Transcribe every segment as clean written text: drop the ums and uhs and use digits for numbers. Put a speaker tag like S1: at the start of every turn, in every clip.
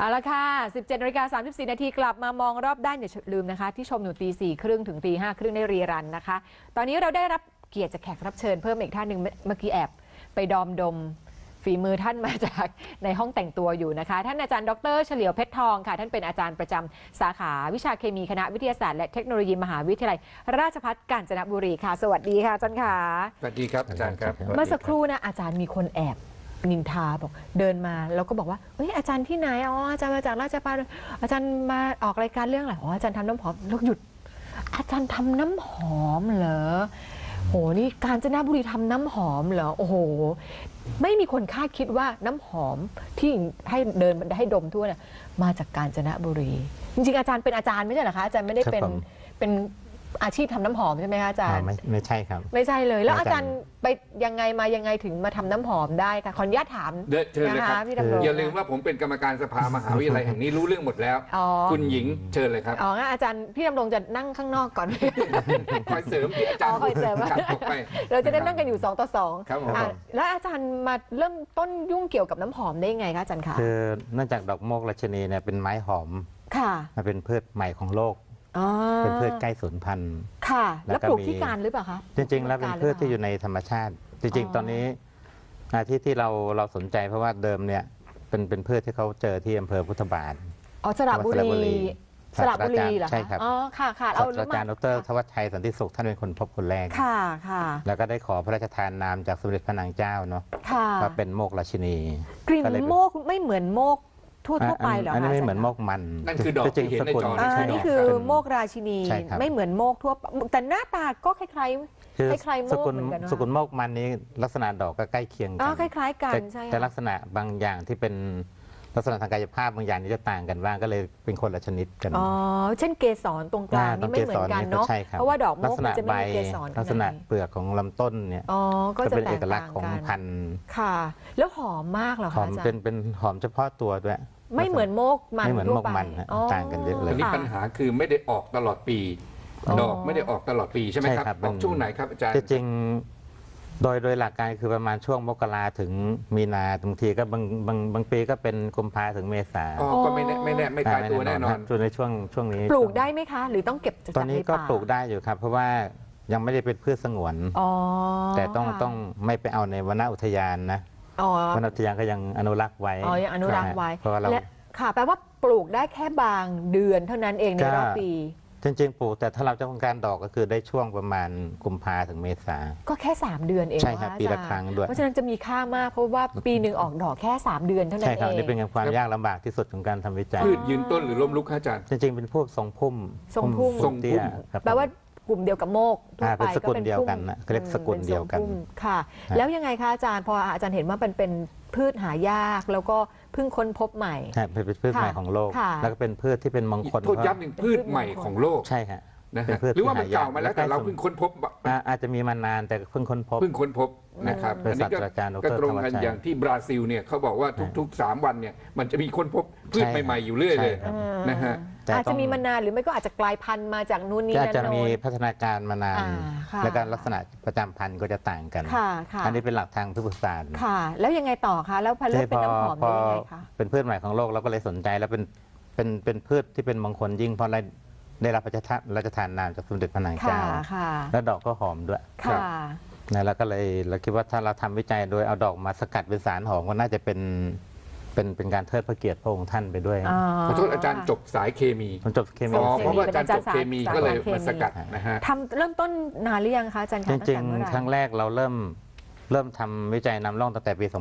S1: เอาละค่ะ 17:34 นาทีกลับมามองรอบด้านอย่าลืมนะคะที่ชมอยู่ตี 4:30 ถึงตี 5:30ได้รีรันนะคะตอนนี้เราได้รับเกียรติจากแขกรับเชิญเพิ่มอีกท่านหนึ่งเมื่อกี้แอบไปดมฝีมือท่านมาจากในห้องแต่งตัวอยู่นะคะท่านอาจารย์ดร.เฉลียวเพชรทองค่ะท่านเป็นอาจารย์ประจำสาขาวิชาเคมีคณะวิทยาศาสตร์และเทคโนโลยีมหาวิทยาลัยราชภัฏกาญจนบุรีค่ะสวัสดีค่ะอาจารย์ค่ะ
S2: สวัสดีครับอาจารย์ครับ
S1: เมื่อสักครู่นะอาจารย์มีคนแอบนินทาบอกเดินมาแล้วก็บอกว่าเฮ้ยอาจารย์ที่ไหนอ๋ออาจารย์มาจากราชภัฏอาจารย์มาออกรายการเรื่องอะไรอ๋ออาจารย์ทำน้ำหอมแล้วหยุดอาจารย์ทำน้ำหอมเหรอโหนี่กาญจนบุรีทำน้ำหอมเหรอโอ้โหไม่มีคนคาดคิดว่าน้ำหอมที่ให้เดินให้ดมทั่วเนี่ยมาจากกาญจนบุรีจริงๆอาจารย์เป็นอาจารย์ไม่ใช่เหรอคะอาจารย์ไม่ได้เป็นอาชีพทำน้ำหอมใช่ไหมคะอาจารย์
S3: ไม่ใช่ครับ
S1: ไม่ใช่เลยแล้วอาจารย์ไปยังไงถึงมาทำน้ำหอมได้ค่ะขออนุญาตถาม
S2: เชิญเลยครับอย่าลืมว่าผมเป็นกรรมการสภามหาวิทยาลัยแห่งนี้รู้เรื่องหมดแล้วคุณหญิงเชิญเลยครับ
S1: อ๋องั้นอาจารย์พี่ดำรงจะนั่งข้างนอกก่อน
S2: คอยเสริมที่อาจารย์
S1: คอยเสริมเราจะได้นั่งกันอยู่2 ต่อ 2
S2: ครับ
S1: แล้วอาจารย์มาเริ่มต้นยุ่งเกี่ยวกับน้ำหอมได้ยังไงคะอาจารย์คะ
S3: คือเนื่องจากดอกโมกราชินีเนี่ยเป็นไม้หอม
S1: ค่ะ
S3: มันเป็นพืชใหม่ของโลกเป็นพืชใกล้สูญพันธุ์
S1: ค่ะแล้วปลูกที่การหรือเปล่าคะ
S3: จริงๆแล้วเป็นพืชที่อยู่ในธรรมชาติจริงๆตอนนี้ที่เราสนใจเพราะว่าเดิมเนี่ยเป็นพืชที่เขาเจอที่อำเภอพุทธบาท
S1: สระบุรีเหรอ
S3: ใช่ครับ
S1: อ๋อค่ะ
S3: เอาอาจารย์ดร.ธวัชชัยสันติสุขท่านเป็นคนพบคนแรก
S1: ค่ะ
S3: แล้วก็ได้ขอพระราชทานนามจากสมเด็จพระนางเจ้าเนาะว่าเป็นโมกราชินี
S1: กลิ่นโมกไม่เหมือนโมกทั่วไปเหรอคะ
S3: อันนี้ไม่เหมือนโมกมัน
S2: นั่นคือดอกที่เห็นในจอ
S1: นี่คือโมกราชินีไม่เหมือนโมกทั่วแต่หน้าตาก็คล้ายโมกเหมือนกัน
S3: สกุลโมกมันนี้ลักษณะดอกก็ใกล้เคียงกัน
S1: คล้ายๆกันใช่
S3: แต่ลักษณะบางอย่างที่เป็นลักษณะทางกายภาพบางอย่างนี้จะต่างกันบ้างก็เลยเป็นคนละชนิดกัน
S1: เช่นเกสรตรงกลางนี่ไม่เหมือนกันเนาะเพราะว่าดอกโมกมันจะไม่มีเกสร
S3: ลักษณะเปลือกของลำต้นเนี่ย
S1: ก็จะ
S3: เป็นเอกลักษณ์ของพันธุ์
S1: ค่ะแล้วหอมมากเหรอคะ
S3: หอมเป็นหอมเฉพาะตัวด้วย
S1: ไม่เหมือนโมกมัน
S3: ไม่เหมือนโมกมันต่างกันเยอะเลย
S2: อันนี้ปัญหาคือไม่ได้ออกตลอดปีดอกไม่ได้ออกตลอดปีใช่ไหมครับออกช่วงไหนครับอาจารย์
S3: จริงโดยหลักการคือประมาณช่วงมกราถึงมีนาบางทีก็บางปีก็เป็นกุมภาถึงเมษา
S2: ก็ไม่ตายตัวแน่นอน
S3: จนในช่วงนี้
S1: ปลูกได้ไหมคะหรือต้องเก็บ
S3: ตอนนี้ก็ปลูกได้อยู่ครับเพราะว่ายังไม่ได้เป็นพืชสงวนแต่ต้องไม่ไปเอาในวรรณอุทยานนะวรรณอุทยานก็ยังอนุรักษ์ไว้
S1: ยังอนุรักษ์ไว้
S3: เพราะเรา
S1: ค่ะแปลว่าปลูกได้แค่บางเดือนเท่านั้นเองในรอบปี
S3: จริงๆปลูกแต่ถ้าเราจะต้องการดอกก็คือได้ช่วงประมาณกุมภาถึงเมษา
S1: ก็แค่3 เดือนเอง
S3: ใช่ครับปีละครั้งด้วย
S1: เพราะฉะนั้นจะมีค่ามากเพราะว่าปีหนึ่งออกดอกแค่3 เดือนเท่านั้นเอง
S3: ใช่ครับนี่เป็นความยากลำบากที่สุดของการทำวิจัย
S2: พืชยืนต้นหรือล้มลุกอาจารย์
S3: จริงๆเป็นพวกทรงพุ่มเตี้ย
S1: แปลว่ากลุ่มเดียวกับโมกทั่วไป
S3: ก็เป็นเดียวกันนะเรียกสกุลเดียวกัน
S1: ค่ะแล้วยังไงคะอาจารย์พออาจารย์เห็นว่าเป็นพืชหายากแล้วก็เพิ่งค้นพบใหม่
S3: เป็นพืชใหม่ของโลกแล้วก็เป็นพืชที่เป็นมงคล
S2: โทษย้ำหนึ่งพืชใหม่ของโลก
S3: ใช่ค่ะ
S2: หรือว่ามันเก่ามาแล้วแต่เราเพิ่งค้นพบ
S3: อาจจะมีมานานแต่เพิ่งค้นพบ
S2: นะครับอันนี้ก็ตรงกันอย่างที่บราซิลเนี่ยเขาบอกว่าทุกๆ3 วันเนี่ยมันจะมีค้นพบพืชใหม่ๆอยู่เรื่อยเลยนะฮะ
S1: อาจจะมีมานานหรือไม่ก็อาจจะกลายพันธุ์มาจากนู่นนี่นั่น
S3: อาจจะมีพัฒนาการมานานและการลักษณะประจำพันธุ์ก็จะต่างกันอันนี้เป็นหลักทางพืชศาสตร์
S1: ค่ะแล้วยังไงต่อคะแล้วพันธุ์เป็นน้ำหอมได้ยังไงคะ
S3: เป็นพืชใหม่ของโลกเราก็เลยสนใจแล้วเป็นพืชที่เป็นมงคลยิ่งเพราะได้รับพระราชทานนามจากสมเด็จพระนางเจ้าแล้วดอกก็หอมด้วยแล้วก็เลยเราคิดว่าถ้าเราทำวิจัยโดยเอาดอกมาสกัดเป็นสารหอมก็น่าจะเป็นการเทิดพระเกียรติพระองค์ท่านไปด้วย
S2: ขอโทษอาจารย์จบสายเคมี
S3: จบเคมี
S2: เพราะว่าอาจารย์จบเคมีก็เลยมาสกัดนะฮะ
S1: ทำเริ่มต้นนานหรือยังคะอาจารย์
S3: จริงๆครั้งแรกเราเเริ่มทำวิจัยนำร่องตั้งแต่ปี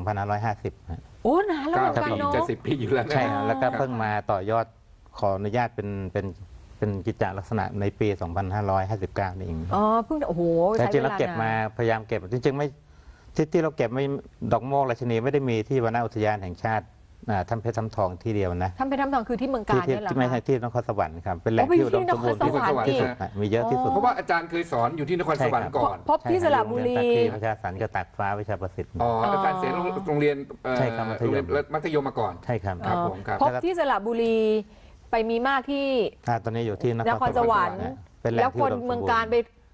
S3: 2550
S1: โอ้นานแล้ว
S2: กันเนาะจะ10 ปีอยู่แล้ว
S3: ใช่แล้วก็เพิ่งมาต่อยอดขออนุญาตเป็นกิจจลักษณะในปี2559นี่เอง
S1: เพิ่งโอ้โห
S3: แต่จริงเราเก็บมาพยายามเก็บจริงๆไม่ที่เราเก็บไม่ดอกโมกราชินีไม่ได้มีที่วรรณอุทยานแห่งชาติถ้ำเพชรถ้ำทองที่เดียวนะ
S1: ถ้ำเพชรถ้ำทองคือที่เมืองกาญนี่แหละ
S3: ที่ไม่ใช่ที่นครสวรรค์ครับเป็นแหล่งที่อุดมสมบูรณ์ที่สุดมีเยอะที่สุด
S2: เพราะว่าอาจารย์เคยสอนอยู่ที่นครสวรรค์ก่อน
S1: พบที่สระบุรี
S3: ประชาสันก็ตักฟ้าวิชาประสิทธิ์
S2: อาจารย์เสนโรงเรียนมัธยมมาก่อน
S3: ใช่ครับ
S1: พบที่สระบุรีไปมีมากที่
S3: ตอนนี้อยู่ที่
S1: นครสวรรค์แล้วคนเมืองกาญไป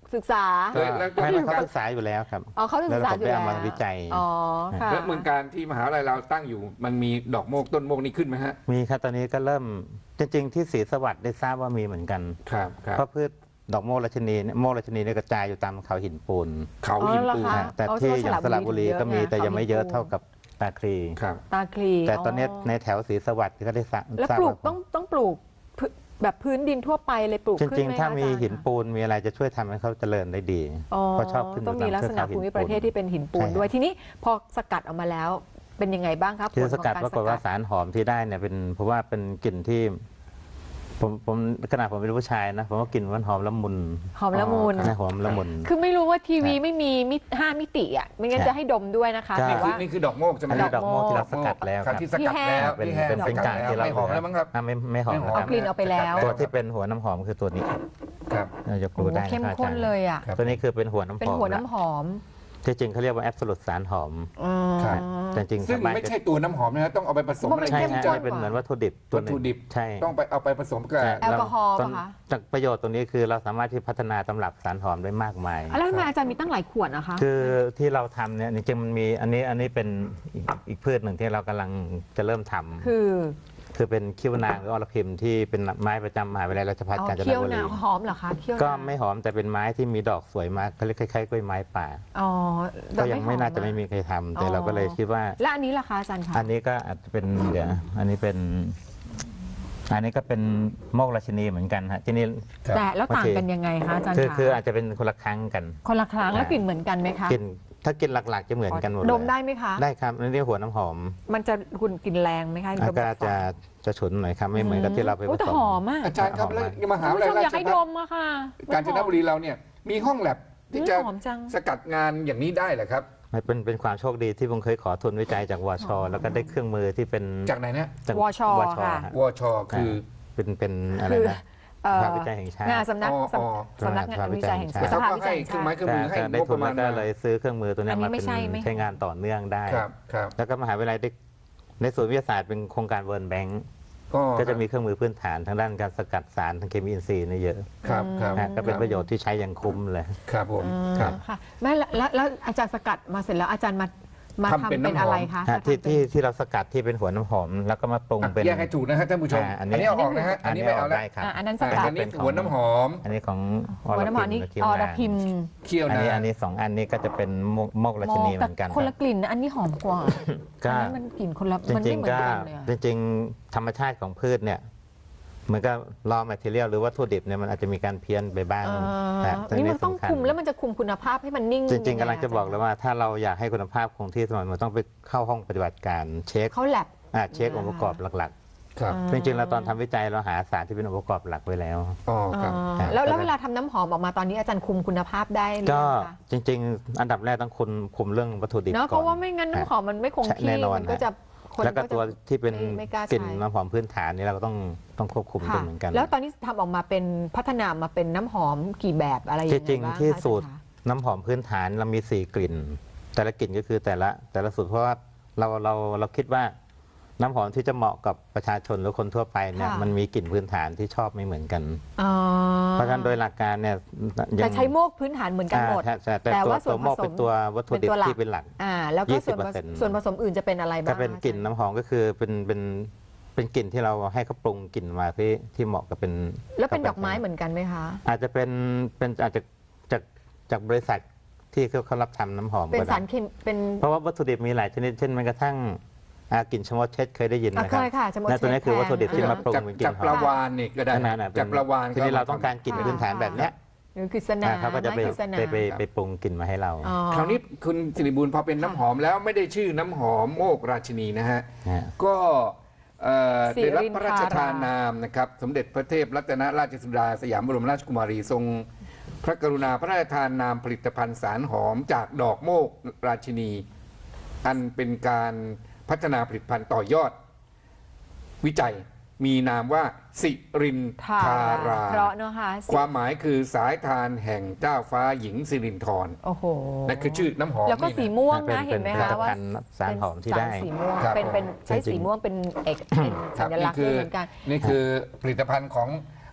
S1: ศึกษา
S2: แล้วก็
S3: ไม่เขาศึกษาอยู่แล้วครับ
S1: อ๋อเขาศึกษาอยู่
S3: แล้ว
S1: แล้ว
S3: ผมไปเอามาวิจัย
S1: อ๋อค่ะ
S2: แล้วเมืองการที่มหาวิทยาลัยเราตั้งอยู่มันมีดอกโมกต้นโมกนี่ขึ้นไหมฮะ
S3: มีครับตอนนี้ก็เริ่มจริงๆที่ศรีสวัสดิ์ได้ทราบว่ามีเหมือนกัน
S2: ครับครับ
S3: เพราะพืชดอกโมกราชินีเนี่ยโมกราชินีเนี่ยกระจายอยู่ตามเขาหินปูน
S2: เขาหินปูน
S1: อ๋อเหรอคะ
S3: แต่ที่อย่างสระบุรีก็มี
S1: เยอะไง
S3: แต่ยังไม่เยอะ
S1: เขาหินปูน
S3: เท่ากับตาคลี
S2: ครับ
S1: ตาคลี
S3: แต่ตอนนี้ในแถวศรีสวัสดิ์ก็ได้ทราบ
S1: แล้วปลูกต้องปลูกแบบพื้นดินทั่วไปเลยปลูก
S3: จ
S1: ขึ้น
S3: ริง
S1: ไหม
S3: ๆ ถ้า
S1: คะ
S3: มี
S1: อจรย์
S3: หินปูนมีอะไรจะช่วยทำให้เขาเจริญได้ดี
S1: อ๋อ
S3: เพราะชอบขึ้น
S1: ต้องมีลักษณะภูมิประเทศที่เป็นหินปูน
S3: ใช่
S1: ด้วยทีนี้พอสกัดออกมาแล้วเป็นยังไงบ้างครับ
S3: คือสกัด
S1: ผล
S3: ป
S1: ข
S3: รา
S1: อง
S3: กฏว่าสารหอมที่ได้เนี่ยเป็นเพราะว่าเป็นกลิ่นที่ผมขนาดผมเป็นผู้ชายนะผมว่ากลิ่นมันหอมละมุน
S1: หอมละมุน
S2: อ๋อ
S3: ใช่หอมละมุน
S1: คือไม่รู้ว่าทีวีไม่มี5 มิติอ่ะไม่งั้น
S3: ใช่
S1: จะให้ดมด้วยนะคะ
S3: ใช่
S1: แต่ว่า
S2: นี่คือดอกโมกใช่ไหม
S3: อันนี้ดอกโมกที่เราสกัดแล้วครับ
S2: ที่สกัดแล้ว
S3: เป็น
S2: ที่แห้ง
S3: เป็น
S2: สกัด
S3: กาก
S2: แล้ว
S3: ที่เรา
S2: ไม่หอมแล้วมั้งครับ
S3: ไม่หอม
S2: ไม่หอม
S3: นะค
S1: เอา
S3: รับ
S1: กลิ่นออกไปแล้ว
S3: ตัวที่เป็นหัวน้ำหอมคือตัวนี้
S2: ครับ
S3: เรายก
S1: โอ้
S3: ดู
S1: โห
S3: ได้
S1: เข้ม
S3: นะครับ
S1: ข้นเลยอ่ะ
S2: ครับ
S3: ตัวนี้คือเป็นหัวน้ำหอม
S1: เป็นหัวน้ำหอม
S3: ที่จริงเขาเรียกว่าแอบสูตสารหอม
S1: อ๋อ
S2: ครับ
S3: แต่จริง
S2: ซึ่ง
S3: ชาวบ้าน
S2: ไม่ใช่ตัวน้ำหอมนะต้องเอาไปผสม
S1: เพราะมัน
S2: อะไร
S3: ใช่
S1: เข้ม
S3: ฮะ
S1: ข้น
S3: นี่เป็นเหมือนวัตถุดิบตัว
S2: วัต
S3: หนึ่ง
S2: ถุดิบ
S3: ใช่
S2: ต้องไปเอาไปผสมกับ
S3: ใช่
S1: แอลกอฮอล์
S3: ต้น
S1: ป่ะคะ
S3: จากประโยชน์ตรงนี้คือเราสามารถที่พัฒนาตำรับสารหอมได้มากมาย
S1: แล้วทำไมอาจารย์มีตั้งหลายขวดนะคะ
S3: คือที่เราทำเนี่ยจริงๆมันมีอันนี้เป็นอีกพืชหนึ่งที่เรากำลังจะเริ่มทำ
S1: คือ
S3: เป็นคิ้วนางหรืออรพิมที่เป็นไม้ประจำมหาวิทยาลัยราชภัฏ
S1: เอา
S3: กาญจน
S1: เคี้ยว
S3: บุรี
S1: นะหอมเหรอคะเคี้ยว
S3: ก็ไม่หอมแต่เป็นไม้ที่มีดอกสวยมากเขาเรียกคล้ายๆกล้วยไม้ป่า
S1: อ๋อ
S3: ก็ยังไม่น่าจะ
S1: หอ
S3: ไม่มีใครทำแต่
S1: อ๋อ
S3: เราก็เลยคิดว่า
S1: และอันนี้ล่ะคะอาจารย์คะ
S3: อันนี้ก็อาจจะเป็นเดี๋ยวอันนี้เป็น อันนี้ก็เป็นโมกราชินีเหมือนกันฮะที่นี่
S2: ครับ
S1: แต่แล้วต่างกันยังไงคะอาจารย์
S3: คือ
S1: คะ
S3: อาจจะเป็นคนละครั้งกัน
S1: คนละครั้งแล้วกลิ่นเหมือนกันไหมคะ
S3: กลิ่นถ้ากินหลักๆจะเหมือนกันหมดเลย
S1: ดมได้ไหมคะ
S3: ได้ครับอันนี้หัวน้ำหอม
S1: มันจะคุณกลิ่นแรงไหมคะ
S3: อาการจะฉุนหน่อยครับไม่เหมือนกับที่เราไปผ
S1: โอ้แต่
S3: สม
S1: หอมอ่ะ
S2: อาจารย์ครับแล้วมหา
S1: คุณ
S2: วิท
S1: ผู้ช
S2: ยาม ลัย
S1: อยากให้ดมอะค่ะ
S2: กาญจนบุรีเราเนี่ยมีห้องแลบที่จะ
S1: หอมจัง
S2: สกัดงานอย่างนี้ได้เหรอครับ
S3: เป็นความโชคดีที่ผมเคยขอทุนวิจัยจากวชแล้วก็ได้เครื่องมือที่เป็น
S2: จากไหนนะ
S3: จาก
S1: วช
S3: ฮะ
S1: ค่ะ
S2: วชคือ
S3: เป็นอะไร
S1: คือ
S3: นะ
S1: เอ่อ
S3: ภาควิจัยแห่งชาติ
S1: งานสำนัก
S2: อ๋อ
S1: สำนักงานวิจัยแห่งชาติ
S2: เขา
S1: สภา
S2: ก็
S1: วิจั
S2: ให้
S1: ยแห่ง
S2: เครื่
S1: ชา
S2: องไม้
S1: ติ
S2: เครื่องมือให้
S3: ก็ได้
S2: งบ
S3: ทุ
S2: ป
S3: น
S2: ระมาณ
S3: แล้วก็
S2: มา
S3: เลยซื้อเครื่องมือตัวเนี้ย
S1: อันนี้
S3: มา
S1: ไม่
S3: เป็น
S1: ใช่ไหม
S3: ใช้งานต่อเนื่องได้
S2: ครับครับ
S3: แล้วก็มหาวิทยาลัยได้ในศูนย์วิทยาศาสตร์เป็นโครงการเวิร์นแบงก์ ก็จะมีเครื่องมือพื้นฐานทางด้านการสกัดสารทางเคมีอินทรีย์เนี่ยเยอะ
S2: ครับครับ
S3: ฮะก็เป็นประโยชน์ที่ใช้อย่างคุ้มเลย
S2: ครับผม
S1: อืม
S2: ครับ
S1: ค่ะแม่แล้วอาจารย์สกัดมาเสร็จแล้วอาจารย์มา
S2: ทำ
S1: ทำ
S2: เป็
S1: เป็น น
S2: น้ำหอม
S1: อะไรคะ
S3: ฮะที่เราสกัดที่เป็นหัวน้ำหอม แล้วก็มาปรุงเป็น
S2: แยกให้ถูกนะฮะท่านผู้ชม
S3: อั
S2: อั
S3: น
S2: น
S3: นี้
S2: นี้เอาออกนะฮะอันนี้ไม่เอาแล้ว
S3: ได้ครับ
S1: อันนั้นสกัด
S2: อันนี้หัวน้ำหอม
S3: อันนี้ของ
S1: หัวน้ำหอมนี่
S3: คิ้ว
S1: อ
S3: นา
S1: รพิมพ์
S2: เคี่ยว
S3: อัน
S2: นา
S3: นี้อันนี้สองอันนี้ก็จะเป็นโมกราชินีเหมือนกัน
S1: แต่คนละกลิ่นนะอันนี้หอมกว่า
S3: ก็
S1: อันนี้มันกลิ่นคนละ
S3: จ
S1: มัน
S3: ริ
S1: ไม่
S3: ง
S1: เหมือ
S3: ๆ
S1: น
S3: ก็
S1: กันเลยอะ
S3: จริงๆธรรมชาติของพืชเนี่ยเหมือนกับรอแมทเทียลหรือวัตถุดิบเนี่ยมันอาจจะมีการเพี้ยนไปบ้างะแต่
S1: นี่มันต้อง
S3: สำญ
S1: คุมแล้วมันจะคุมคุณภาพให้มันนิ่ง
S3: จริงๆ
S1: ยั
S3: กำลังจะบอกเลยว่าถ้าเราอยากให้คุณภาพคงที่สม่ำเสมอต้องไปเข้าห้องปฏิบัติการเช็ค
S1: เขาแลบ
S3: เช็คองค์ประกอบหลัก
S2: ครับ
S3: ๆ จริงๆเราตอนทำวิจัยเราหาสารที่เป็นองค์ประกอบหลักไว้แล้ว
S2: อ๋อครับ
S1: แล้วเวลาทำน้ำหอมออกมาตอนนี้อาจารย์คุมคุณภาพได้หรือ
S3: ก็
S1: ยังคะ
S3: จริง ๆ อันดับแรกต้องคุมเรื่องวัตถุดิบ
S1: เนาะ
S3: ก่
S1: เพ
S3: อน
S1: ราะว่าไม่งั้นน้ำหอมมันไม่คง
S3: ใช่
S1: ที่
S3: แน่นอน
S1: มันก็จะคน
S3: แล้วก็
S1: จะ
S3: ตัวที่เป็น
S1: ไม่กล้าใช้
S3: กลิ่นน้ำหอมพื้นฐานนี่เราก็ต้องควบคุมด้วย
S1: ค่ะ
S3: เหมือนกัน
S1: แล้วตอนนี้ทำออกมาเป็นพัฒนามาเป็นน้ำหอมกี่แบบอะไรยังไง
S3: จริง
S1: บ้าง
S3: ๆที่
S1: คะ
S3: สูตร
S1: อาจารย์คะ
S3: น้ำหอมพื้นฐานเรามี4กลิ่น แต่ละกลิ่นก็คือแต่ละสูตรเพราะว่าเราคิดว่าน้ำหอมที่จะเหมาะกับประชาชนหรือคนทั่วไปเนี่ยมันมีกลิ่นพื้นฐานที่ชอบไม่เหมือนกัน
S1: อ๋อ
S3: เพราะฉะนั้นโดยหลักการเนี่ยยัง
S1: แต่ใช้โมกพื้นฐานเหมือนกันหมด
S3: แต่
S1: แต่
S3: ตัว
S1: ว่าส่วน
S3: ตัวโมก
S1: ผสม
S3: เป็นตัววัตถุดิบ
S1: เป็นตัวหลัก
S3: ที่เป็นหลัก
S1: แล้วก็ส่วน
S3: 20%
S1: ส่วนผสมอื่นจะเป็นอะไรบ้าง
S3: ถ้าเป็นกลิ่นน้ำหอมก็คือเป็นกลิ่นที่เราให้เขาปรุงกลิ่นมาที่เหมาะกับเป็น
S1: แล้วเป็นดอกไม้เหมือนกันไหมคะ
S3: อาจจะเป็นอาจจะจากบริษัทที่เขารับทำน้ำหอม
S1: เป็น
S3: ก็ได้
S1: สารเคมีเป็น
S3: เพราะว่าวัตถุดิบมีหลายชนิดเช่นแม้กระทั่งกลิ่นชะมดเช็ดเคยได้ยินไหมค
S1: เค
S3: รับ
S1: ยค่ะชะมด
S3: นั่นตัวนี้คือวัตถุดิบที่
S1: แพง
S3: มาปรุงเป็นกลิ่
S2: จาก
S3: นห
S2: ป
S3: อ
S2: ลาม วานนี่ก็ได้
S3: นั่นน่ะ
S2: จากปลาวาน
S3: ทีนี้เราต้องการกลิ่นพื้นฐานแบบเนี้ย
S1: หรือกฤษณา
S3: เขาก็จะไป
S1: ไม้กฤษณา
S3: ไปปรุงกลิ่นมาให้เรา
S1: อ๋อ
S2: คราวนี้คุณสิริบูลพอเป็นน้ำหอมแล้วไม่ได้ชื่อน้ำหอมโมกราชินีนะฮะ
S3: ฮะ
S2: ก็
S1: สิริ
S2: ได้รับ
S1: นทรา
S2: พระราชทานนามนะครับสมเด็จพระเทพรัตนราชสุดาสยามบรมราชกุมารีทรงพระกรุณาพระราชทานนามผลิตภัณฑ์สารหอมจากดอกโมกราชินี อันเป็นการพัฒนาผลิตภัณฑ์ต่อยอดวิจัยมีนามว่าสิรินทารา
S1: เพราะเนอะค่ะ
S2: ความหมายคือสายทานแห่งเจ้าฟ้าหญิงสิรินธร
S1: โอ้โห
S2: นั่นคือชื่อน้ำหอม
S1: แล้วก็
S2: นี่นะ
S1: สีม่วงนะ
S3: เป็น
S1: เห็นไหม
S3: เป็น
S1: คะว่า
S3: ผลิตภัณฑ์สารหอมที่ได้
S1: สารสีม่วง
S2: ครับ
S1: เป็นใช้สีม่วงเป็นเอกเป็น
S2: ครั
S1: สั
S2: บ
S1: ญลักษณ์ด้วยเหมือนกัน
S2: นี่คือผลิตภัณฑ์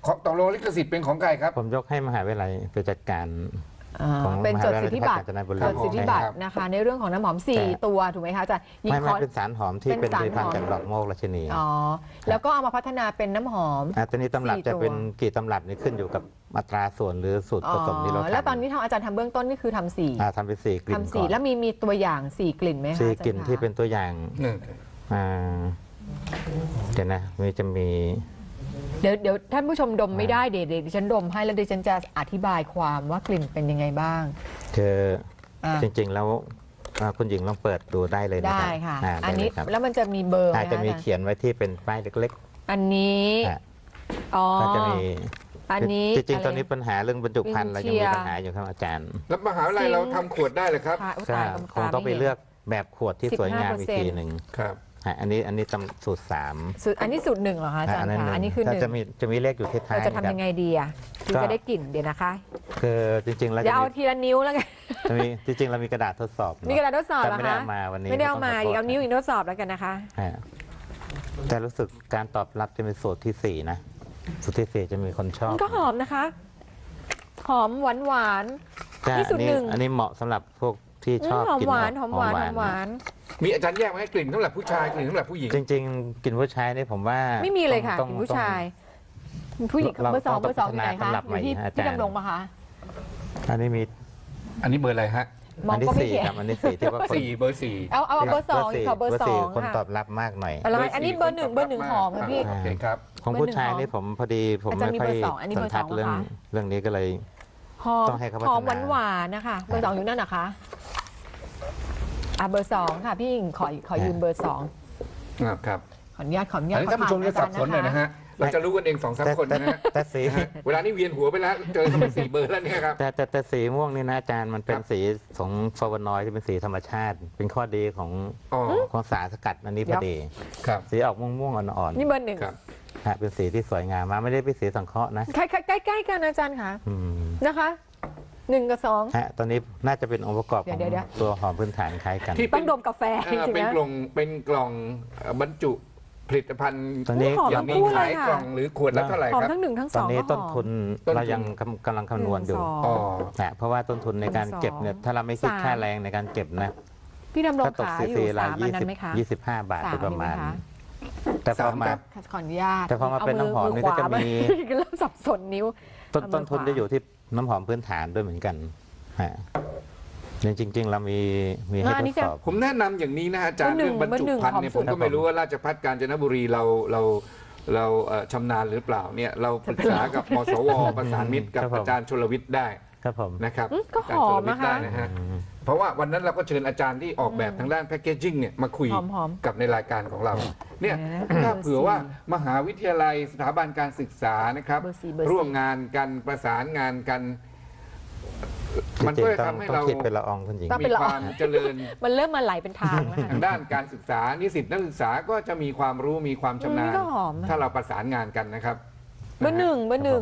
S2: ตกลงลิขสิทธิ์เป็นของใครครับ
S3: ผมยกให้มหาวิทยาลัยไปจัดการ ของ
S1: เป็นจดสิทธิบัตร
S3: มหาวิทยาลัยราชภัฏกาญจนบุรี
S1: จดสิทธิบัตร
S2: ครับ
S1: นะคะ ในเรื่องของน้ำหอม
S3: แต่
S1: 4 ตัวถูกไหมคะอาจารย์ยิง
S3: ไม่
S1: คอร์ส
S3: เป็นสารหอมที่
S1: เป็
S3: เป็น
S1: นสาร
S3: ผลิตภัณฑ์
S1: หอม
S3: จากดอกโมกราชินี
S1: อ๋อแล้วก็เอามาพัฒนาเป็นน้ำหอม
S3: ตอนนี้ตำรับ
S1: 4
S3: จะ
S1: ตัว
S3: เป็นกี่ตำรับนี่ขึ้นอยู่กับอัตราส่วนหรือสูตรผสมที่เราทำ
S1: แล้วตอนนี้ทางอาจารย์ทำเบื้องต้นนี่คือทำสี่
S3: ทำเป็น4กลิ่น
S1: ทำ
S3: ก่
S1: สี่
S3: อน
S1: แล้วมีตัวอย่าง4 กลิ่นไหมคะ
S3: สี่
S1: อาจารย์
S3: กลิ่น
S1: คะ
S3: ที่เป็นตัวอย่าง
S2: หนึ่ง
S3: อ่าเดี๋ยวนะจะมี
S1: เดี๋ยวท่านผู้ชมดมไม่ได้เดี๋ยวดิฉันดมให้แล้วดิฉันจะอธิบายความว่ากลิ่นเป็นยังไงบ้าง
S3: คือ
S1: อ่ะ
S3: จริงๆแล้วคุณหญิงลองเปิดดูได้เลยนะ
S1: ได้
S3: ครับ
S1: ค่ะ
S3: ได้
S1: อันนี้
S3: เลยครับ
S1: แล้วมันจะมีเบอร์ไหม
S3: อาจ
S1: คะ
S3: จะมี
S1: อาจารย์
S3: เขียนไว้ที่เป็นป้ายเล็ก
S1: อันนี้
S3: ๆอ่ะ
S1: อ๋อ
S3: ก็จะมี
S1: อันนี้
S3: จริงๆ
S1: ะไ
S3: ตอนนี้ปัญหาเรื่องบรรจุภัณฑ์เรายัง
S1: วิ
S3: มี
S1: นเชียร์
S3: ปัญหาอยู่ครับอาจารย์
S2: แล้วมหาวิทยาลัยเราทำขวดได้เลยครับ
S1: ค่ะอุ๊ย
S3: ก็
S1: ตาย
S3: คงต้องไปเลือกแบบขวดที่สวยงามอีกทีหนึ่ง
S2: ครับ
S3: อันนี้ตำสูตร3
S1: สูตรอันนี้สูตร1เหรอคะอาจารย์คะอันนี้คือ
S3: ถ้า
S1: 1
S3: จะมีเลขอยู่ที่ท้าย
S1: เราจะทำยังไงดีอ่ะถึงจะได้กลิ่นเดี๋ยวนะคะ
S3: คือจริงๆแล้ว
S1: อย่าเอาทีละนิ้วแล้วกัน
S3: จะมีจริงๆเรามีกระดาษทดสอบเนอ
S1: มีกระดาษทดสอบ
S3: แต่
S1: เหรอ
S3: ไม่ได้
S1: คะ
S3: เอามาวันนี้
S1: ไม่ได้เอามา
S3: ต้งข
S1: อีกเอา
S3: โทษ
S1: นิ้วอีกทดสอบแล้วกันนะคะ
S3: ฮะแต่รู้สึกการตอบรับจะเป็นสูตรที่ 4 นะสูตรที่ 4 จะมีคนชอบ
S1: มันก็หอมนะคะ หอมหวานหวาน
S3: แต่
S1: นี่สูตรหนึ่ง
S3: อันนี้เหมาะสำหรับพวกที่ชอบ
S1: หอม
S3: กิน
S1: หวานหอมหวานหอมหวาน
S2: มีอาจารย์แยกไว้ให้กลิ่นสำหรับผู้ชายกลิ่นสำหรับผู้หญิง
S3: จริงๆกลินผู้ชายนี่ผมว่า
S1: ไม่มีเลยค่ะ
S3: ต้อง
S1: กลิ่นผู้ชาย ผู้หญิง
S3: เรา
S1: เบอร์สอง
S3: ต้อง
S1: เบอร์สองอยู่ไหน
S3: พั
S1: คะ
S3: ฒนาตำรับ
S1: อยู่ที่
S3: ใหม่ฮะอาจารย์
S1: ที่ดำรงปะคะ
S3: อันนี้มี
S2: อันนี้เบอร์อะไรฮะ
S1: มอง
S3: อันที่
S1: ก็ไม่
S3: 4
S1: เห็น
S3: ครับอันที่4ที่ว่าคน
S2: 4 เบอร์ 4
S1: เอาเบอร์สองขอเบอร์สอง
S3: คน
S1: ค่ะ
S3: ตอบรับมากหน่อย
S1: อะไรอันนี้เบอร์หนึ่งหอมค่ะพี่
S2: โอเคครับ
S3: ของผู้ชายนี่ผมพอดีผม
S1: อาจารย์
S3: ไม่ค่อย
S1: มีเบอร์สองอันนี้
S3: สั
S1: เบ
S3: น
S1: อร์
S3: ทัด
S1: สอง
S3: เรื่อง
S1: เหรอคะ
S3: เรื่องนี้ก็เลย
S1: หอม
S3: ต้องให้เขาพัฒนา
S1: หอมหวานหวานนะคะเบอร์สองอยู่นั่นนะคะเบอร์สองค่ะพี่หญิงขอยืมเบอร์สอง
S2: ครับ
S1: ขออนุญาต
S2: อันนี้ท่านผู้ชมจะสับสนหน่อยนะฮะ เราจะรู้กันเอง2-3 คนนะฮะ
S3: แต่สี
S2: เวลานี้เวียนหัวไปแล้ว เจอเข้าไป4 เบอร์แล้วเนี่ยครับ
S3: แต่สีม่วงนี่นะอาจารย์มันเป็
S2: คน รับ
S3: สีของฟลาวานอยด์ที่เป็นสีธรรมชาติ เป็นข้อดีของ
S2: อ๋อ
S3: ของสารสกัดอันนี้พอดี
S2: ครับ
S3: สีออกม่วงๆอ่อน
S1: นี่เบอร์หนึ่ง
S2: ครับ
S3: ๆฮะเป็นสีที่สวยงามมากไม่ได้เป็นสีสังเคราะห์นะ
S1: ใกล้ๆกันอาจารย์ค่ะ
S3: อืม
S1: นะคะ1 กับ 2
S3: ฮะตอนนี้น่าจะเป็นองค์ประกอบของ
S1: เดี๋ยว
S3: ตัวหอมพื้นฐานคล้ายกัน
S2: ที่
S1: ต้องดมกาแฟจริง
S2: เป็น
S1: ๆนะ
S2: กล่องบรรจุผลิตภัณฑ์
S3: ตอนนี้
S1: หอม
S2: อย่างนี้
S1: ทั้งคู่เล
S2: ขาย
S1: ยค่ะ
S2: กล่องหรือขวดละเท่าไหร่
S1: หอม
S2: ครับ
S1: ทั้ง1 ทั้ง
S3: ตอน
S1: 2
S3: นี้
S1: ก็
S3: ต้น
S1: หอม
S3: ทุน
S2: ต้นทุน
S3: เรายังกำลังคำนวณอยู่
S1: 1 2
S2: อ๋อ
S3: นะเพราะว่าต้นทุนในการเก็บเนี่ยถ้าเราไม่คิด
S1: 3
S3: ค่าแรงในการเก็บนะ
S1: พี่ดำรง
S3: ก็ตก
S1: ขา
S3: ซี
S1: อยู่
S3: ซีละ
S1: 3อันนั้นไหมคะ
S3: 25 บาท
S1: 3
S3: โดยประมาณ
S1: มีไหคะ
S3: แต่พอมา
S2: ครับ
S1: ขออนุญาต
S3: แต่พอมาเป็นน้ำหอมนี่ก็จะมี
S1: เริ่มสับสนนิ้ว
S3: ต้นทุนจะอยู่ที่น้ำหอมพื้นฐานด้วยเหมือนกันฮะจริงๆเรามีให้
S1: อัน
S3: ท
S1: นี้
S3: ด
S1: จะ
S3: สอบ
S2: ผมแนะนำอย่างนี้นะอาจารย์
S1: เบอร์หนึ่
S2: เรื่อง งบรรจุภัณฑ์เนี่ย
S1: เบอร์หนึ่ง
S2: ผมก็ไม่รู้ว่าราชภัฏกาญจนบุรีเราชำนาญหรือเปล่าเนี่ยเราปรึกษากับมสวประสานมิตรกับ
S3: ครับผม
S2: อาจารย์ชลวิทย์ได้
S3: ครับผม
S2: นะครับ
S1: ก็หอม
S2: อาจารย์ชลวิทย์ได้
S1: นะคะ
S2: นะฮะเพราะว่าวันนั้นเราก็เชิญอาจารย์ที่ออกแบบทางด้านแพคเกจิ้งเนี่ยมาคุย
S1: หอม
S2: กับในรายการของเราเนี่ย
S1: เดี๋ยวนะ
S2: ถ้าเผื่อว่ามหาวิทยาลัยสถาบันการศึกษานะครับ
S1: เบอร์สี่เบอร์สี่
S2: ร่วมงานกันประสานงานกัน มัน
S3: จริ
S2: ก็
S3: ง
S2: จะ
S3: ๆต้อง
S2: ทำให้
S3: ต้อง
S2: เรา
S3: คิดเป็นละอองคุณหญิง
S1: ต้อง
S2: มีความเจริญ
S1: มันเริ่มมาไหลเป็นทางแล้วค่ะ
S2: ทางด้านการศึกษานิสิตนักศึกษาก็จะมีความรู้มีความชำนา
S1: นี่
S2: ญ
S1: ก็หอมนะ
S2: ถ้าเราประสานงานกันนะครับ
S1: เบอร์หนึ่งเบอร์หนึ่ง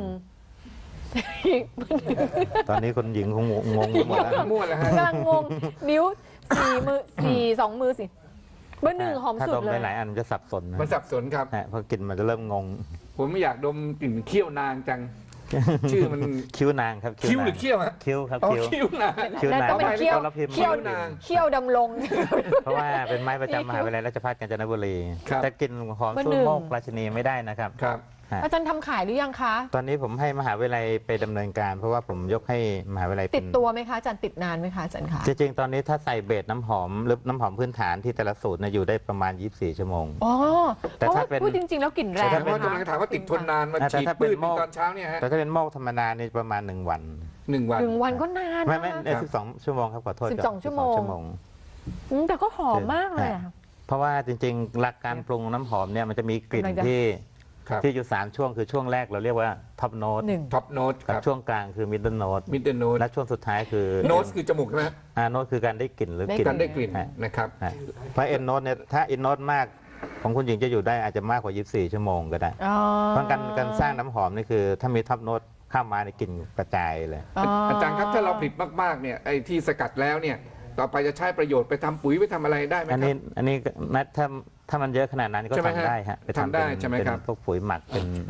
S3: ตอนนี้คนหญิงคงงงไปหมดแล้ว
S2: มั่วแล้วฮะ
S1: กำลังงงนิ้ว4 มือ2 มือสิเบอร์หนึ่งหอม
S3: ถ้า
S1: สุ
S3: ด
S1: ด
S3: ม
S1: เลย
S3: หลายๆอันมันจะสับสนนะ
S2: มันสับสนครับ
S3: ฮะเพราะกลิ่นมันจะเริ่มงง
S2: ผมไม่อยากดมกลิ่นเขี้ยวนางจัง ชื่อมัน
S3: คิ้วนางครับ
S2: คิ้วหรือ
S3: นา
S2: เขี้ยวฮะ
S3: คิ้วครับ
S2: อ๋อ
S3: คิ้ว
S2: คิ้วนาง
S3: คิ้วนาง
S1: ต้องเป็นเขี้ยว
S3: เราพิมพ์
S1: เขี้ยว
S2: นาง
S1: เขี้ยวดำรง
S3: เพราะว่าเป็นไม้ประจำมหาวิทยาลัยราชภัฏกาญจนบุรี
S2: ครับ
S3: แต่กลิ่นหอม
S1: เบอร์
S3: สู้
S1: หนึ่ง
S3: โมกราชินีไม่ได้นะครับ
S2: ครับ
S3: ฮะ
S1: อาจารย์ทำขายหรือยังคะ
S3: ตอนนี้ผมให้มหาวิทยาลัยไปดำเนินการ เพราะว่าผมยกให้มหาวิทยาลัย
S1: ติดตัวไหมคะอาจารย์ติดนานไหมคะอาจารย์คะ
S3: จริงๆตอนนี้ถ้าใส่เบสน้ำหอมหรือน้ำหอมพื้นฐานที่แต่ละสูตรเนี่ยอยู่ได้ประมาณ 24 ชั่วโมง
S1: อ๋อ
S3: แต่
S1: เพราะ
S3: ถ้า
S1: ว่า
S3: เป็น
S1: พูดจริง ๆ แล้วกลิ่นแร
S2: แต่
S1: ง
S2: ว่ากำลังถามว่าติดทนนานมา
S3: แต่
S2: ฉีด
S3: ถ้าเป็น
S2: ปื้ด
S3: หม้อ
S2: ตอนเช้าเนี่ยฮะ
S3: แต่ถ้าเป็นโมกธรรมดานี่ประมาณ1 วัน
S2: 1 วัน
S1: 1 วันก็นาน
S3: ไม่
S1: นะ
S3: 12 ชั่วโมงครับขอโทษครับ
S1: 12 ชั่วโมง แต่ก็หอมมากเลยอะ
S3: เพราะว่าจริงๆ หลักการปรุงน้ำหอมเนี่ยมันจะมีกลิ่น
S1: กำลังจะ
S2: ครับ
S3: ที่อยู่3ช่วงคือช่วงแรกเราเรียกว่าท็อปโน้ต
S1: 1
S2: ท็อปโน้ตค
S3: กับ
S2: รับ
S3: ช่วงกลางคือมิดเดิลโน้ต
S2: มิดเดิลโน้ต
S3: และช่วงสุดท้ายคือ
S2: โน้ตคือจมูกใช่ไหมฮะ
S3: โน้ตคือการได้กลิ่นหรือ
S1: ได้
S3: กลิ่น
S2: การได้กลิ่น
S3: ฮะ
S2: นะครับ
S3: ฮะเพราะเอ็นโน้ตเนี่ยถ้าเอ็นโน้ตมากของคุณหญิงจะอยู่ได้อาจจะมากกว่า 24 ชั่วโมงก็ได้ เพราะการสร้างน้ำหอมนี่คือถ้ามีท็อปโน้ตเข้ามาในกลิ่นกระจายเลย
S2: อาจารย์ครับถ้าเราผลิตมากๆเนี่ยไอ้ที่สกัดแล้วเนี่ยต่อไปจะใช้ประโยชน์ไปทำปุ๋ยไปทำอะไรได้ไหมค
S3: อั
S2: รั
S3: น
S2: บ
S3: นี้อันนี้นัดถ้ามันเยอะขนาดนั้นก็
S2: ใช่ไหมฮะ
S3: ทำได้ฮะไป
S2: ทำได้
S3: เป็น
S2: ใช่ไหมครับ
S3: เป็นพวกปุ๋ยหมักเป็น
S1: อ่ะ
S3: จ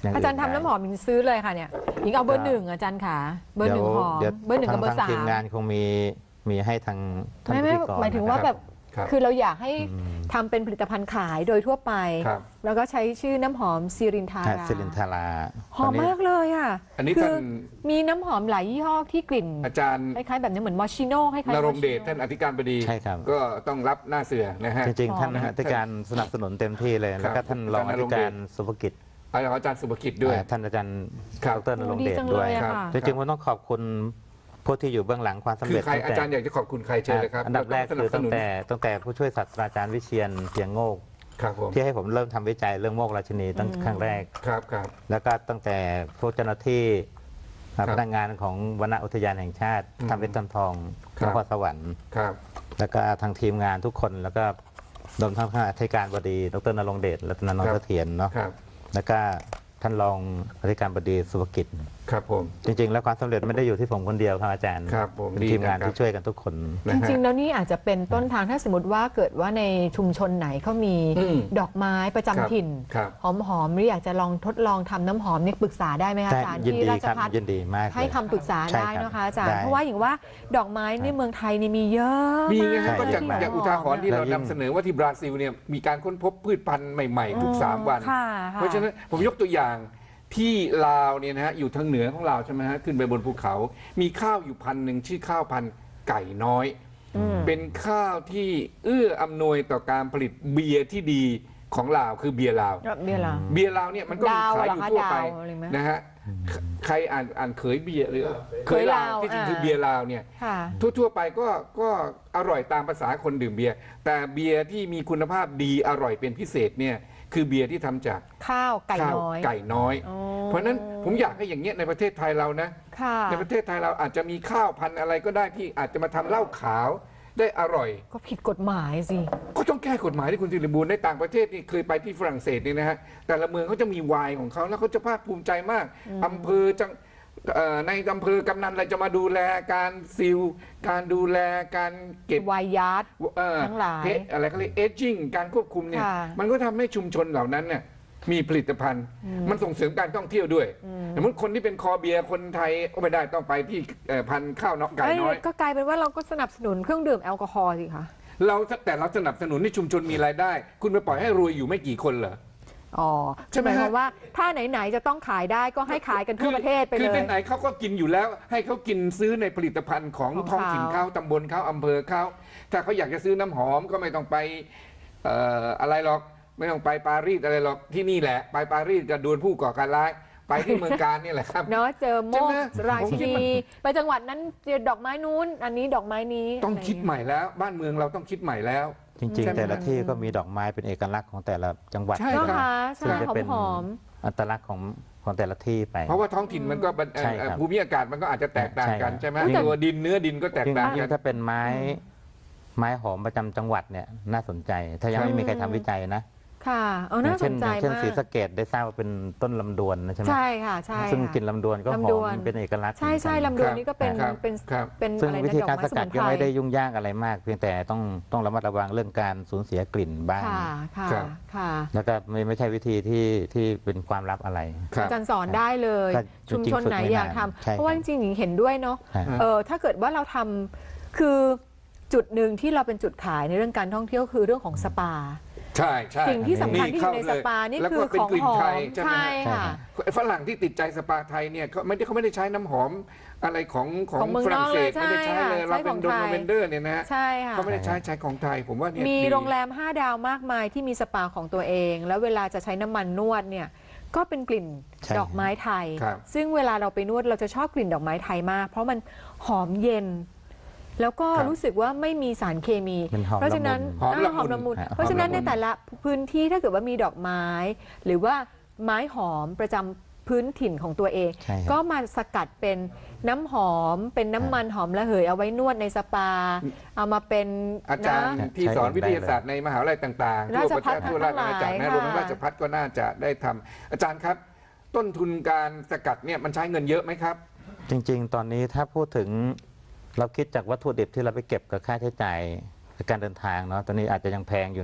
S3: ย่ง
S1: อาจารย์ทำน้ำหอมหญิงซื้อเลยค่ะเนี่ยหญิงเอาเบอร์หนึ่งอาจารย์ขาเบอร์หนึ่งหอม
S3: เดี๋ยว
S1: เบอร์หนึ่งกับเบอร์
S3: ทาง
S1: สา
S3: ทีม
S1: ม
S3: งานคงมีให้ทางท่าน
S1: ไม่
S3: พิธีกร
S1: หมายถึงว่า
S3: นะครับ
S1: แบบ
S2: ครับ
S1: คือเราอยากให้ทำเป็นผลิตภัณฑ์ขายโดยทั่วไป
S2: ครับ
S1: แล้วก็ใช้ชื่อน้ำหอมซิรินทา
S3: ใช่
S1: รา
S3: ซิลินทารา
S1: หอมมากเลยอ่ะ
S2: อันนี้
S1: คื
S2: ท่าน
S1: มีน้ำหอมหลายยี่ห้อที่กลิ่น
S2: อาจารย์
S1: คล้ายๆแบบนี้เหมือนมอชิโน่คล้ายๆ
S2: นรงค์เดช
S1: มอชิโน่
S2: ท่านอธิการบดี
S3: ใช่ครับ
S2: ก็ต้องรับหน้าเสือนะฮะ
S3: จริงๆ ท่าน
S1: หอม
S3: อธิการสนับสนุนเต็มที่เลย แล้วก็ท่านรองอธิการสุภกิจ
S2: อาจารย์สุภกิจด้วย
S3: ท่านอาจารย์
S2: ครับ
S3: ดรนรงค์เดช
S1: โอ้ดีจัง
S3: ด้วย
S1: เลยอะ
S2: ครับ
S1: ค่ะ
S3: จริงๆผมต้องขอบคุณผู้ที่อยู่เบื้องหลังความสำ
S2: คือ
S3: เร็จ
S2: ใคร
S3: ตั้ง
S2: อา
S3: แต่
S2: จารย์อยากจะขอบคุณใครเชิญเลยครับ
S3: อันดับแรก
S2: เา
S3: คือ
S2: ต้
S3: ตั้
S2: ง
S3: ง
S2: สนับสนุน
S3: แต่ผู้ช่วยศาสตราจารย์วิเชียรเพียงโงก
S2: ครับผม
S3: ที่ให้ผมเริ่มทำวิจัยเรื่องโมกราชินีตั้งครั้งแรก
S2: ครับครับ
S3: แล้วก็ตั้งแต่พวกเจ้าหน้าที่
S2: ครับ
S3: พนักงานของวนอุทยานแห่งชาติ
S2: อืม
S3: ทำเป็นต้นทอง
S2: ครั
S3: น
S2: บ
S3: ครสวรรค์
S2: ครับ
S3: แล้วก็ทางทีมงานทุกคนแล้วก็รวมทั้งท่านอธิการบดีดรนรงค์เดชรัตนนท์เสถียรเนาะ
S2: ครับ
S3: แล้วก็ท่านรองอธิการบดีสุภกิจ
S2: ครับผม
S3: จริงๆ แล้วความสำเร็จไม่ได้อยู่ที่ผมคนเดียวครับอาจารย์
S2: ครับผม
S3: เป็น
S2: ดี
S3: ทีมงาน
S2: นะครับ
S3: ที่ช่วยกันทุกคน
S2: นะ
S1: จ
S2: ฮะ
S1: ริงๆ แล้วนี่อาจจะเป็นต้นทางถ้าสมมติว่าเกิดว่าในชุมชนไหนเขามี
S2: อืม
S1: ดอกไม้ประจำถิ่น
S2: ครับ
S1: หอมๆหรืออยากจะลองทดลองทำน้ำหอมนี่ปรึกษาได้ไหมคะอาจารย์
S3: ยิน
S1: ที่
S3: ดี
S1: ราช
S3: ครับ
S1: ภัฏ
S3: ยินดีมาก
S1: ให้
S3: เลย
S1: คำปรึกษา
S3: ใช่
S1: ได้
S3: ครับ
S1: นะคะอาจารย์
S3: ได้
S1: เพราะว่าอย่างว่าดอกไม้ในเมืองไทยนี่มีเยอะ
S2: มีไง
S1: มา
S2: ฮะ
S1: ก
S2: ก็จาก
S1: ที่
S2: จากอุทาหรณ์ที่เรานำเสนอว่าที่บราซิลเนี่ยมีการค้นพบพืชพันธุ์ใหม่ๆ ทุก 3 วัน
S1: ค่ะ
S2: เพราะฉะนั้นผมยกตัวอย่างที่ลาวเนี่ยนะฮะอยู่ทางเหนือของลาวใช่ไหมฮะขึ้นไปบนภูเขา มีข้าวอยู่พันธุ์หนึ่งชื่อข้าวพันธุ์ไก่น้อย เป็นข้าวที่เอื้ออำนวยต่อการผลิตเบียร์ที่ดีของลาวคือเบียร์ลาว
S1: เบียร์ลาว
S2: เบียร์ลาวเนี่ยมันก็มี
S1: ดาว
S2: ขาย
S1: เหร
S2: อ
S1: อยู่ คะ
S2: ทั่วไป
S1: ดาวอะไรไหม
S2: นะฮะใครอ่านเขยเบียร์หรือ
S1: เขยลาว
S2: ที่จริง
S1: อ่า
S2: คือเบียร์ลาวเนี่ย
S1: ค่ะ
S2: ทั่วๆไปก็อร่อยตามภาษาคนดื่มเบียร์แต่เบียร์ที่มีคุณภาพดีอร่อยเป็นพิเศษเนี่ยคือเบียร์ที่ทำจาก
S1: ข้าวไก่
S2: ข้าว
S1: น้อย
S2: ไก่น้อย
S1: อ๋อ
S2: เพราะฉะนั้นผมอยากให้อย่างเงี้ยในประเทศไทยเรานะ
S1: ค่ะ
S2: ในประเทศไทยเราอาจจะมีข้าวพันธุ์อะไรก็ได้ที่อาจจะมาทำเหล้าขาวได้อร่อย
S1: ก็ผิดกฎหมายสิ
S2: ก็ต้องแก้กฎหมายที่คุณสิริบูรณ์ในต่างประเทศนี่เคยไปที่ฝรั่งเศสนี่นะฮะแต่ละเมืองเขาจะมีไวน์ของเขาแล้วเขาจะภาคภูมิใจมากอำเภอจังในอำเภอกำนันอะไรจะมาดูแลการซีลการดูแลการเก็บ
S1: วายยาร์ด ทั้งหลาย
S2: อะไรเขาเรียกเอจจิ้งการควบคุมเนี่ย
S1: ค่ะ
S2: มันก็ทำให้ชุมชนเหล่านั้นเนี่ยมีผลิตภัณฑ์ มันส่งเสริมการท่องเที่ยวด้วยสมมติคนที่เป็นคอเบียร์คนไทยก็ไม่ได้ต้องไปที่พันธุ์ข้าวน้องไก่น้อย
S1: ก็กลายเป็นว่าเราก็สนับสนุนเครื่องดื่มแอลกอฮอล์สิคะ
S2: แต่เราสนับสนุนให้ชุมชนมีรายได้ คุณไปปล่อยให้รวยอยู่ไม่กี่คนเหรอ
S1: อ๋อ
S2: ใช่ไหม
S1: หาย
S2: ฮะ
S1: ความว่าถ้าไหนๆจะต้องขายได้ก็ให้ขายกันทั่วประเทศไป
S2: คือ
S1: เลย
S2: ไหนๆเขาก็กินอยู่แล้ว ให้เขากินซื้อในผลิตภัณฑ์ของ
S1: ของ
S2: ท้องถิ่น
S1: เขา
S2: เขาตำบลเขาอำเภอเขาถ้าเขาอยากจะซื้อน้ำหอมก็ไม่ต้องไปอะไรหรอกไม่ต้องไปปารีสอะไรหรอกที่นี่แหละ ไปปารีสจะโดนผู้ก่อการร้ายไปที่เมืองการนี่แหละครับ
S1: เนาะเจอโม
S2: ใช่
S1: ก
S2: ไหม
S1: รา
S2: ผม
S1: ชิ
S2: คิด
S1: นี
S2: ว่า
S1: ไปจังหวัดนั้นเจอดอกไม้นู้น อันนี้ดอกไม้นี้
S2: ต้องคิดใหม่แล้ว บ้านเมืองเราต้องคิดใหม่แล้ว
S3: จริง
S2: ใช่ไหม
S3: ๆ แต่ละที่ก็มีดอกไม้เป็นเอกลักษณ์ของแต่ละจังหวัด
S2: ใช่
S1: เนาะ
S2: รับ
S1: คะ
S3: ซึ่ง
S1: ใช่
S3: จะเป็น
S1: หอม
S3: อัตลักษณ์ของแต่ละที่ไป
S2: เพราะว่าท้องถิ่นมันก็
S3: ใช่ครับ
S2: ภูมิอากาศมันก็อาจจะแตกต่างกัน
S3: ใช่
S2: ใช่ไหม
S3: ครับ
S2: ตัวดินเนื้อดินก็แตกต่าง
S3: ยิ่
S2: กั
S3: ง
S2: น
S3: ถ้าเป็นไม้หอมประจำจังหวัดเนี่ยน่าสนใจ ถ้ายังไม่มีใครทำวิจัยนะ
S1: ค่ะเอาน่าสนใจ
S3: อย่างเช่น
S1: มาก
S3: ศรีสะเกษได้ทราบว่าเป็นต้นลำดวนนะใช่ไหม
S1: ใช่ค่ะใช่
S3: ซึ่ง
S1: ค่ะ
S3: กลินลำดวนก็ห
S1: ลำด
S3: อ
S1: วน
S3: มเป็นเอกลักษณ์
S1: ใช่ใช่
S3: เหมือนกัน
S1: ลำดวนนี่ก็เป็น
S2: ครับ
S1: เป็น
S2: ครับ
S1: เป็น
S3: ซึ่ง
S1: อะไร
S3: วิ
S1: นะ
S3: ธี
S1: ดอก
S3: การ
S1: ไม้
S3: ส
S1: ส
S3: กั
S1: มุ
S3: ด
S1: น
S3: ก็
S1: ไพร
S3: ไม่ได้ยุ่งยากอะไรมาก เพียงแต่ต้องระมัดระวังเรื่องการสูญเสียกลิ่นบ้าง
S1: ค่ะค่ะ
S2: ครับ
S1: ค่ะ
S3: แล้วก็ไม่ใช่วิธีที่เป็นความลับอะไร
S2: ครับ
S1: อาจารย์สอนได้เลย
S3: ก็
S1: ชุมชนไหน
S3: จริงๆ
S1: อยาก
S3: ฝึกไม่นาน
S1: ทำ
S3: ใช่
S1: เพราะว่า
S3: ค
S1: จ
S3: รับ
S1: ริงๆหญิงเห็นด้วยเนาะ
S3: ฮะ
S1: ถ้าเกิดว่าเราทำคือจุดหนึ่งที่เราเป็นจุดขายในเรื่องการท่องเที่ยวคือเรื่องของสปา
S2: ใช่ใช่
S1: สิ่งที่สำคัญที่อยู่ในสปานี่
S2: แล้ว
S1: คื
S2: ก็
S1: อ
S2: เป็น
S1: ของ
S2: กลิ่
S1: ห
S2: น
S1: อ
S2: ไท
S1: ม
S2: ยใช่ไหม
S1: ใช่
S2: ฮะ
S1: ค่ะ
S2: ฝรั่งที่ติดใจสปาไทยเนี่ยเขาไม่ได้ใช้น้ำหอมอะไรของ
S1: ของเมือง
S2: ฝรั่งเศส
S1: นอกเลย
S2: ไม่ได้ใช้เลย
S1: ใช่
S2: เราเป็น
S1: ของ
S2: ดง
S1: ไทย
S2: ลาเวนเดอร์เนี่ยนะฮะ
S1: ใช่ค่ะ
S2: เขาไม่ได้ใช้ของไทยผมว่าเนี่ย
S1: มี
S2: ดี
S1: โรงแรม 5 ดาวมากมายที่มีสปาของตัวเอง แล้วเวลาจะใช้น้ำมันนวดเนี่ยก็เป็นกลิ่น
S3: ใช่
S1: ดอกไม้ไทย
S2: ครับ
S1: ซึ่งเวลาเราไปนวดเราจะชอบกลิ่นดอกไม้ไทยมาก เพราะมันหอมเย็น แล้วก็รู้สึกว่าไม่มีสารเคมี
S3: มันหอม
S1: เพราะฉะนั้น
S3: ละมุน
S2: หอมละมุน
S1: หอมละมุนเพราะฉะนั้นในแต่ละพื้นที่ถ้าเกิดว่ามีดอกไม้ หรือว่าไม้หอมประจำพื้นถิ่นของตัวเอง
S3: ใช่ครับ
S1: ก็มาสกัดเป็นน้ำหอม เป็นน้ำมันหอมระเหยเอาไว้นวดในสปา เอามาเป็น
S2: อาจารย์
S1: นะ
S2: ที่สอนวิทยาศาสตร์ในมหาวิทยาลัยต่างๆทั่วประเทศทั่วราชอาณาจักร
S1: ทั้งหลาย
S2: นะรวมทั้งราชภัฏก็น่าจะได้ทำอาจารย์ครับ ต้นทุนการสกัดเนี่ยมันใช้เงินเยอะไหมครับ
S3: จริงๆ ตอนนี้ถ้าพูดถึงเราคิดจากวัตถุดิบที่เราไปเก็บกับค่าใช้จ่ายในการเดินทางเนาะตอนนี้อาจจะยังแพงอยู่เนาะ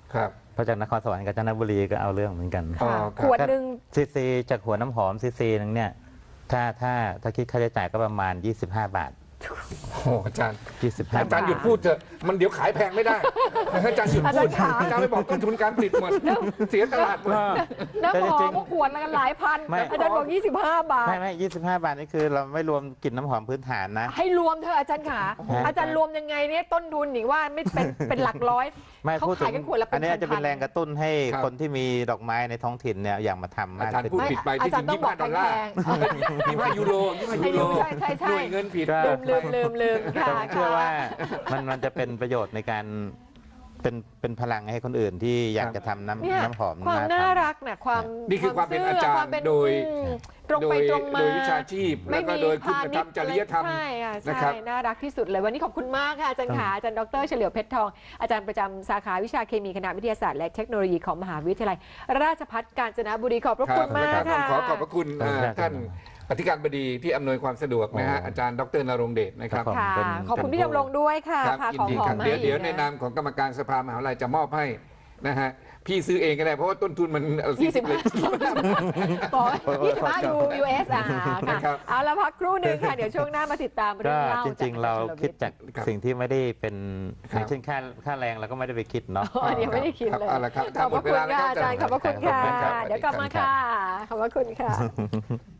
S2: ครับ
S3: เพราะจากนครสวรรค์กับจันทบุรีก็เอาเรื่องเหมือนกัน
S2: อ๋อ
S1: ค่ะ
S2: ครับ
S1: ขวดหนึ่ง
S3: ซีจากหัวน้ำหอมซีนึงเนี่ยถ้าคิดค่าใช้จ่ายก็ประมาณ 25 บาท
S2: โอ้อาจารย์
S3: 25
S2: อาจารย์หยุดพูดเถอะมันเดี๋ยวขายแพงไม่ได้อาจารย์หยุดพูดอาจารย์ไปบอกต้นทุนการผลิตหมดเสียตลาดหมด
S1: น้ำหอมก็ขวดละกันหลายพัน
S3: ไม่
S1: อาจารย์บอก25 บาท
S3: ไม่25 บาทนี่คือเราไม่รวมกลิ่นน้ำหอมพื้นฐานนะ
S1: ให้รวมเธอะอาจารย์ขาอาจารย์รวมยังไงเนี่ยต้นทุนหนิว่าไม่เป็นหลักร้อย
S3: ไม่
S1: เขา
S3: พูดถึ
S1: ขาย
S3: ง
S1: กันขวดละเป็น
S3: อันนี้อาจจะเป็นแรงกระตุ้นให้
S2: ครับ
S3: คนที่มีดอกไม้ในท้องถิ่นเนี่ยอยากมาทำมาก
S2: อาจารย์
S3: ขึ้น
S2: พูดผิดไป
S1: อา
S2: ที่
S1: จา
S2: จ
S1: ร
S2: ริ
S1: ย์
S2: ง
S1: ต้องบอก
S2: 25 ดอลลาร์
S1: แพง
S2: 25 ยูโร25 ยูโร
S1: ใช่ใช่
S2: หน่วยเงินผิด
S1: ลืมค่ะ
S3: แต่ผมเชื่อว่ามันจะเป็นประโยชน์ในการเป็นพลังให้คนอื่นที่อยากจะทำ
S1: เนี่ย
S3: น้ำหอม
S1: ความน่า
S3: ทำ
S1: รักน่ะความ
S2: นี่คือความเป็นอาจารย์
S1: ความเป็น
S2: โดย
S1: ตรงไปตรงมา
S2: โดยวิชาชีพแล้วก็โดยคุณธรรมจริยธรรม
S1: ใช่ค่ะ
S2: นะค
S1: ใช่
S2: รับ
S1: น่ารักที่สุดเลยวันนี้ขอบคุณมากค่ะอาจารย์ขาอาจารย์ดรเฉลียวเพชรทองอาจารย์ประจำสาขาวิชาเคมีคณะวิทยาศาสตร์และเทคโนโลยีของมหาวิทยาลัยราชภัฏกาญจนบุรีขอบพระคุณมาก
S2: ครั
S1: ค่ะ
S2: บขอขอบพระคุณ
S3: ครับ
S2: ท่านอธิการบดีที่อำนวยความสะดวกนะฮะ
S3: โอ้
S2: อาจารย์ดรนรงค์เดชนะครับ
S3: ผม
S1: ค่ะ
S3: เป็น
S1: ขอบคุณ
S3: เป็น
S1: พี่ดำรงด้วยค่ะ
S2: ครับ
S1: พา
S2: ยิ
S1: ของ
S2: ดี
S1: หอ
S2: ครั
S1: ม
S2: บ
S1: มา
S2: เดี๋ยว
S1: ให้
S2: ในนามของกรรมการสภามหาวิทยาลัยจะมอบให้นะฮะพี่ซื้อเองก็ได้เพราะว่าต้นทุนมัน40เลย
S1: บอก25 US ค่ะ
S2: นะครับ
S1: เอาละพักครู่หนึ่งค่ะ เดี๋ยวช่วงหน้ามาติดตามเรื่
S3: ก็
S1: องเล่า
S3: จริงๆ เราคิดจาก
S2: ครับ
S3: สิ่งที่ไม่ได้เป็น
S2: ครับ
S3: อย่างเช่นค่าแรงเราก็ไม่ได้ไปคิดเนาะ
S1: อ๋อเดี๋ยวไม่ได้คิดเลย
S2: เอาละครับ
S1: ขอบพระคุณค่ะอาจารย์ขอบพระคุณค่ะ
S3: ขอบคุณครับ
S1: เดี๋ยวกลับมาค่ะ ขอบพระคุณค่ะ